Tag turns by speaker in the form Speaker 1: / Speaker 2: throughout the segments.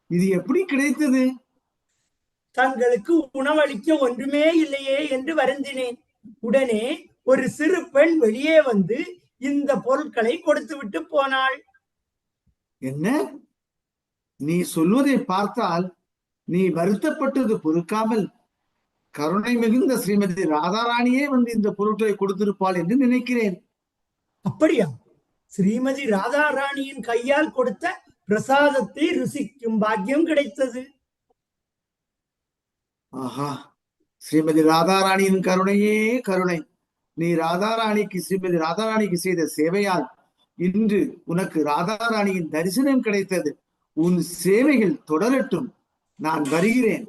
Speaker 1: இது எப்படி கிடைத்தது?
Speaker 2: தங்களுக்கு உணவளிக்க ஒன்றுமே இல்லையே என்று வருந்தினேன். உடனே ஒரு சிறு பெண் வெளியே வந்து இந்த பொருட்களை கொடுத்து விட்டு போனாள்.
Speaker 1: என்ன? நீ சொல்வதை பார்த்தால் நீ வருத்தப்பட்டது பொறுக்காமல் கருணை மிகுந்த ஸ்ரீமதி ராதாராணியே வந்து இந்த பொருட்களை கொடுத்திருப்பாள் என்று நினைக்கிறேன்.
Speaker 2: அப்படியா? ஸ்ரீமதி ராதாராணியின் கையால் கொடுத்த பிரசாதத்தை ருசிக்கும் பாக்கியம் கிடைத்தது.
Speaker 1: ஆஹா, ஸ்ரீமதி ராதாராணியின் கருணையே கருணை. நீ ஸ்ரீமதி ராதாராணிக்கு செய்த சேவையால் இன்று உனக்கு ராதாராணியின் தரிசனம் கிடைத்தது. உன் சேவைகள் தொடரட்டும். நான் வருகிறேன்.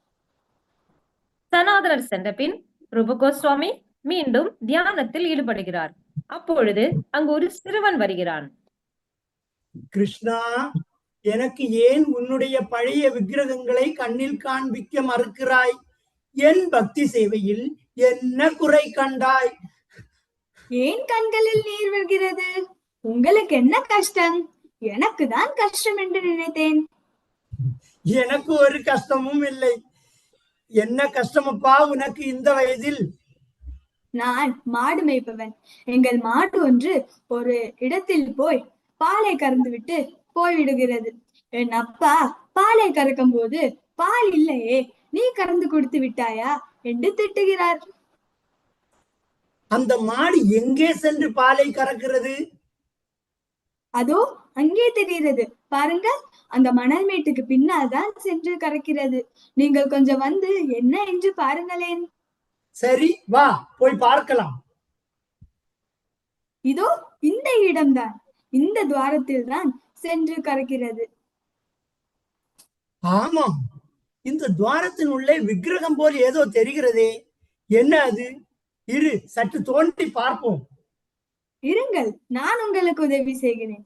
Speaker 3: சனாதனர் சென்ற பின் ரூப கோஸ்வாமி மீண்டும் தியானத்தில் ஈடுபடுகிறார். அப்பொழுது அங்கு ஒரு சிறுவன் வருகிறான்.
Speaker 2: கிருஷ்ணா, எனக்கு ஏன் உன்னுடைய பழைய விக்கிரகங்களை கண்ணில் காண்பிக்க மறுக்கிறாய்? என் பக்தி சேவையில் என்ன குறை கண்டாய்?
Speaker 4: ஏன் கண்களில் நீர் வருகிறது? உங்களுக்கு என்ன கஷ்டம்? எனக்கு தான் கஷ்டம் என்று நினைத்தேன்.
Speaker 2: எனக்கு ஒரு கஷ்டமும் இல்லை. என்ன கஷ்டமப்பா உனக்கு இந்த வயதில்?
Speaker 4: நான் மாடு மேய்ப்பவன். எங்கள் மாடு ஒன்று ஒரு இடத்தில் போய் பாலை கறந்து விட்டு போய்விடுகிறது. என் அப்பா பாலை கறக்கும் போது பால் இல்லையே, நீ கறந்து கொடுத்து விட்டாயா என்று திட்டுகிறார்.
Speaker 2: அந்த மாடு எங்கே சென்று பாலை கறக்கிறது?
Speaker 4: அதோ அங்கே தெரிகிறது பாருங்க, அந்த மணல் மேட்டுக்கு பின்னால் தான் சென்று கறக்கிறது. நீங்கள் கொஞ்சம் வந்து என்ன என்று பாருங்களேன்.
Speaker 2: சரி, வா போய் பார்க்கலாம்.
Speaker 4: இதோ இந்த இடம்தான், இந்த துவாரத்தில் தான் சென்று கறக்கிறது.
Speaker 2: ஆமாம், இந்த துவாரத்தின் உள்ளே விக்கிரகம் போல் ஏதோ தெரிகிறதே, என்ன அது? இரு, சற்று தோண்டி பார்ப்போம்.
Speaker 4: இருங்கள், நான் உங்களுக்கு உதவி செய்கிறேன்.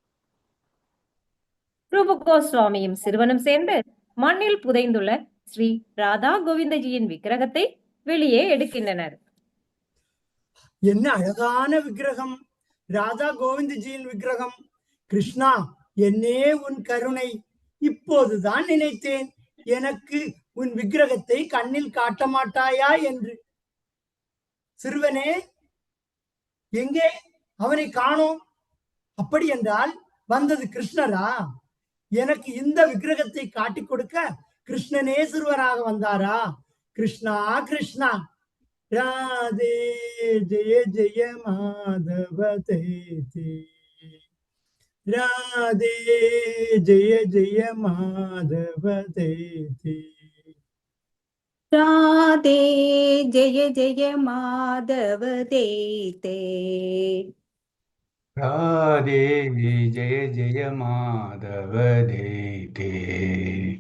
Speaker 3: ரூப கோஸ்வாமியும் சிறுவனும் சேர்ந்து மண்ணில் புதைந்துள்ள ஸ்ரீ ராதா கோவிந்தஜியின் விக்கிரகத்தை வெளியே எடுக்கின்றனர்.
Speaker 2: என்ன அழகான விக்கிரகம்! ராதா கோவிந்தஜியின் விக்கிரகம். கிருஷ்ணா, என்னே உன் கருணை! இப்போதுதான் நினைத்தேன், எனக்கு உன் விக்கிரகத்தை கண்ணில் காட்ட மாட்டாயா என்று. சிறுவனே, எங்கே? அவனை காணோம். அப்படி என்றால் வந்தது கிருஷ்ணரா? எனக்கு இந்த விக்கிரகத்தை காட்டிக் கொடுக்க கிருஷ்ணனே சிறுவனாக வந்தாரா? கிருஷ்ணா கிருஷ்ணா, ராதே ஜெய ஜெய மாதவ தேதி, ராதே ஜெய ஜெய மாதவ தேதி,
Speaker 5: ராதே ஜெய ஜெய மாதவ தேதே,
Speaker 6: ராதே ஜெய ஜெய மாதவ தேதே.